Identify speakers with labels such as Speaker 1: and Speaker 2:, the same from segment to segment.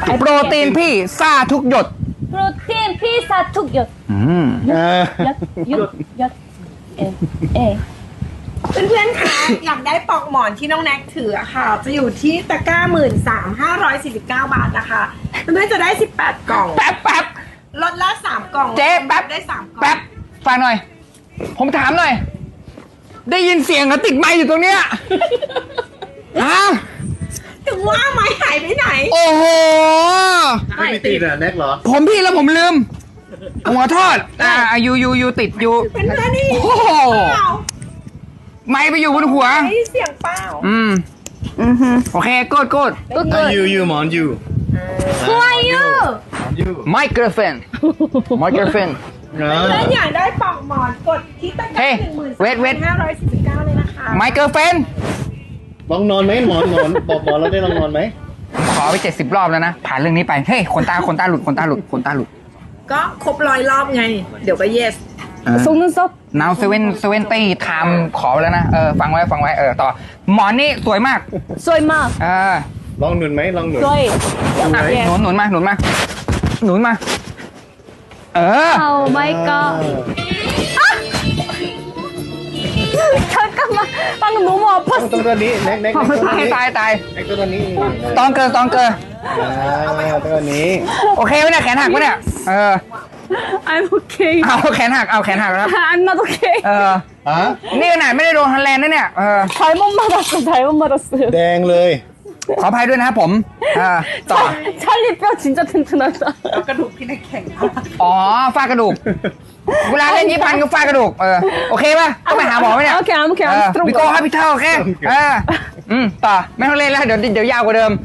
Speaker 1: โปรตีนพี่ซ่าทุกหยด
Speaker 2: 프로틴 피사 툭 엿.
Speaker 1: เออ
Speaker 2: 엿. 엿. 에.
Speaker 3: เพื่อนๆคะอยากได้ปลอกหมอนที่น้องแน็กถืออะค่ะ จะอยู่ที่ตะกร้า13,549 บาทนะคะเพื่อนๆจะได้ 18 กล่อง
Speaker 1: แป๊บ
Speaker 3: ลดละ3 กล่อง
Speaker 1: เจ๊แป๊บ
Speaker 3: ได้ 3 กล่อง
Speaker 1: แป๊บฟังหน่อย ผมถามหน่อย ได้ยินเสียงเขาติดไมค์อยู่ตรงเนี้ยฮะ
Speaker 3: ถึงว่าไม้หายไปไหน
Speaker 1: โอ้โห
Speaker 4: ไม่มีติดอ่ะแน็กเหรอ
Speaker 1: ผมพี่แล้วผมลืมผมขอโทษยูติดอยู่
Speaker 3: เพื่อนๆนี่
Speaker 1: โอ้โห
Speaker 3: เปล่า
Speaker 1: ไมค์ไปอยู่บนหัว
Speaker 3: ได้ยินเสียงเปล่า
Speaker 1: โอเคโกด
Speaker 4: ยูหมอนยู
Speaker 2: Who are you?
Speaker 4: ยู
Speaker 1: my girlfriend my girlfriend
Speaker 3: เพื่อนๆอยากได้ปลอกหมอนกดที่ตะกร้า
Speaker 1: Hey, wait.
Speaker 3: 13,549เลยนะคะ
Speaker 1: my girlfriend
Speaker 4: ลองนอนไหมหมอนบอกหมอนเราได้ลองนอนไหม
Speaker 1: ขอไป70 รอบแล้วนะ ผ่านเรื่องนี้ไป เฮ้ยขนตาหลุด
Speaker 3: ก็ครบ100 รอบไง เดี๋ยวก็ yes
Speaker 2: 속눈썹.
Speaker 1: now 70 time ขอไปแล้วนะ ฟังไว้ ต่อ หมอนนี่สวยมาก
Speaker 2: 쏘이 마.
Speaker 4: ลองหนุนไหมลองหนุน
Speaker 2: 쏘이.
Speaker 1: หนุนมา
Speaker 2: Oh my god. 잠깐만. 방금 너무
Speaker 4: ต้อง
Speaker 2: 아팠어.
Speaker 4: ตัวนี้แน็ก
Speaker 1: ตาย
Speaker 4: แน็กตัวนี้
Speaker 1: ตองเกอ
Speaker 4: ตัวนี้
Speaker 1: โอเคไหมเนี่ยแขนหักปะเนี่ย
Speaker 2: I'm okay.
Speaker 1: เอาแขนหักครับ
Speaker 2: I'm not okay.
Speaker 4: ฮะ
Speaker 1: นี่ขนาดไม่ได้โดนฮันแลนด์นะเนี่ย
Speaker 2: 잘못 맞았어. 잘못 맞았어요.
Speaker 4: แดงเลย
Speaker 1: ขออภัยด้วยนะครับผม ต่อ
Speaker 2: 찰리 뼈 진짜 튼튼하다.
Speaker 3: เอากระดูกพี่แน็กแข็ง
Speaker 1: อ๋อฟาดกระดูก เวลาเล่นญี่ปุ่นก็ฟาดกระดูก โอเคป่ะต้องไปหาหมอไหมเนี่ย
Speaker 2: โอเคI'm okay. I'm
Speaker 1: วิโก้
Speaker 2: strong.
Speaker 1: ฮาพิเทลโอเคต่อไม่ต้องเล่นแล้วเดี๋ยวยาวกว่าเดิม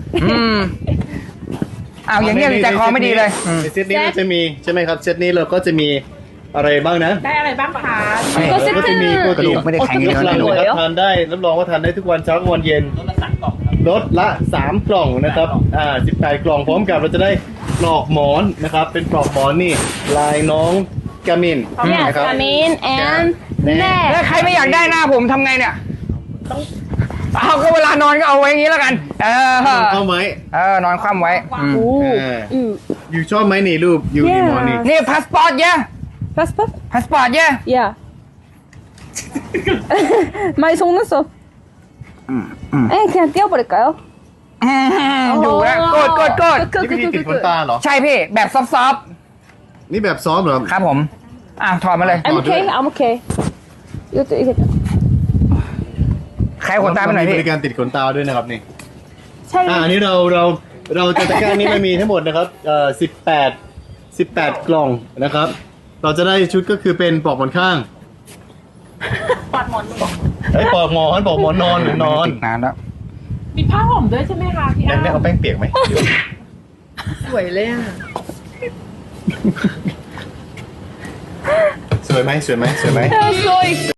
Speaker 1: เอาอย่างเงี้ยใจคอไม่ดีเลย
Speaker 4: ในเซตนี้เราจะมีใช่ไหมครับเซตนี้เราก็จะมีอะไรบ้างนะ
Speaker 3: ได้อะไรบ้างคะ
Speaker 2: ก็
Speaker 4: เราก็จะมีโปร
Speaker 1: กระ
Speaker 4: ตี
Speaker 1: ดู
Speaker 4: น
Speaker 1: กไม่ได้แข็ง
Speaker 2: โอ
Speaker 1: เย
Speaker 2: เค
Speaker 1: อะ
Speaker 4: รับ
Speaker 1: นะ
Speaker 4: รองครับทานได้รับรองว่าทานได้ทุกวันเช้ากับวันเย็นลดละ3 กล่องนะครับ18 กล่องพร้อมกับเราจะได้ปลอกหมอนนะครับเป็นปลอกหมอนนี่ลายน้องกามิน
Speaker 2: Yes,
Speaker 4: นะครับ
Speaker 2: I mean and
Speaker 1: แล้ว
Speaker 2: 네.
Speaker 1: ใครไม่อยากได้หน้าผมทำไงเนี่ยเอาก็เวลานอนก็เอาไว้อย่างนี้แล้วกัน
Speaker 4: เข้าไหม
Speaker 1: นอนคว่ำไว้
Speaker 2: 오.
Speaker 4: อยู่ชอบไหมนี่รูปอยู่ในหมอนนี่
Speaker 1: นี่พาสปอร์ตเย่
Speaker 2: passport?
Speaker 1: พาสปอร์ตเย่
Speaker 2: Yeah. my 속눈썹. 에 그냥 띄워버릴까요?
Speaker 1: ดูแล้วกด
Speaker 4: นี่วิธีติดขนตาเหรอ
Speaker 1: ใช่พี่แบบซอฟ
Speaker 4: นี่แบบซ้อมเหรอ
Speaker 1: ๆครับผมถอดมาเลย
Speaker 2: I'm okay. I'm okay. 이것도 이게
Speaker 1: ใครขนตาไปหน่อย
Speaker 4: มี
Speaker 1: พี่
Speaker 4: บริการติดขนตาด้วยนะครับนี่
Speaker 2: 찰리.
Speaker 4: อันนี้เราจะตะกร้านี้มันมีทั้งหมดนะครับ18 กล่องนะครับ เราจะได้ชุดก็คือเป็นปลอกหมอนข้างปลอกหมอนนอนหรือนอน
Speaker 1: ติดนานแล้ว
Speaker 3: มีผ้าห่มด้วยใช่ไหมคะพี่
Speaker 4: แน็กเอาแป้งเปียกไหม
Speaker 3: สวยเลยอ่ะ
Speaker 4: สวยไหม
Speaker 2: 쏘이.